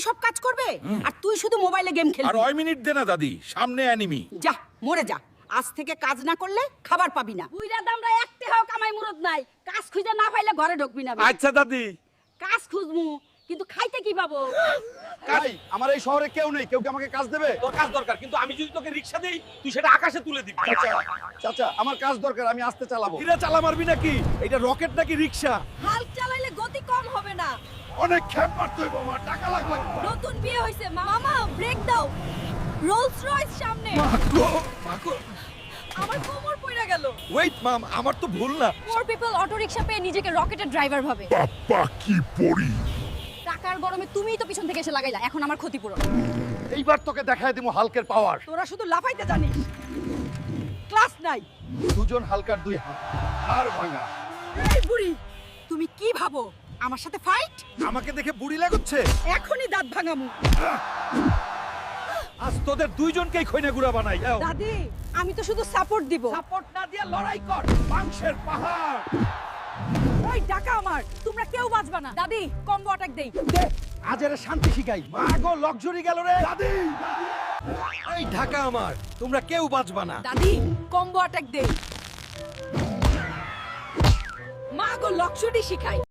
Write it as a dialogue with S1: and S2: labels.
S1: সব কাজ করবে আর তুই শুধু মোবাইলে গেম
S2: আর
S1: খেলবি।
S2: 9 মিনিট দে না দাদি, সামনে অ্যানিমি।
S1: যা মরে যা, আজ থেকে কাজ না করলে খাবার পাবি না। বুইরা দামরা একতে হাও কামাই মুরত নাই, কাজ খুঁজে না পাইলে ঘরে ঢুকবি না।
S2: আচ্ছা দাদি।
S1: কাজ খুঁজমু কিন্তু খাইতে কি পাবো?
S3: ভাই আমার এই শহরে কেউ নেই, কেউ কি আমাকে কাজ দেবে?
S2: তোর কাজ দরকার, কিন্তু আমি যদি তোকে রিকশা দেই তুই সেটা আকাশে তুলে দিবি।
S3: চাচা আমার কাজ দরকার, আমি আসতে চালাবো।
S2: কিরা চালা মারবি নাকি? এটা রকেট নাকি রিকশা?
S1: হাল চালাইলে গতি কম হবে না।
S3: অনেক খেপ মারতে হইব, আমার টাকা লাগবে।
S1: নতুন বিয়ে হইছে, মামা ব্রেক দাও। রোলস রয়েস সামনে। আমার কোমর পড়ে গেল।
S2: ওয়েট মাম, আমার তো ভুল না।
S1: মোর পিপল অটো রিকশা পেয়ে নিজেকে রকেটের ড্রাইভার ভাবে।
S4: বাপ্পা কি পড়ি!
S1: টাকার গরমে তুমিই তো পিছন থেকে এসে লাগাইলা, এখন আমার ক্ষতিপূরণ।
S3: এইবার তোকে দেখায় দিমু হালকের পাওয়ার।
S1: তোরা শুধু লাফাইতে জানিস, ক্লাস নাই।
S3: দুজন হালকার দুই হাত, আর ভাঙা।
S1: এই বুড়ি, তুমি কি ভাবো আমার সাথে ফাইট?
S2: আমাকে দেখে বুড়ি লাগুচ্ছে?
S1: এখনই দাঁত ভাঙামু।
S2: আজ তোদের দুইজনকেই খৈনা গুড়া বানাই।
S1: দাদি, আমি তো শুধু সাপোর্ট দিব।
S2: সাপোর্ট না দিয়ে লড়াই কর, মাংসের পাহাড়।
S1: ওই টাকা আমার, তোমরা কেউ বাঁচবা না। দাদি, কম্বো অ্যাটাক দেই।
S3: আজ এর শান্তি শিখাই।
S2: মাগো লক্সারি গেল রে দাদি। এই ঢাকা আমার, তোমরা কেউ বাঁচবা না।
S1: দাদি, কম্বো অ্যাটাক দেই। মা গো লক্ষ্যটি শিখাই।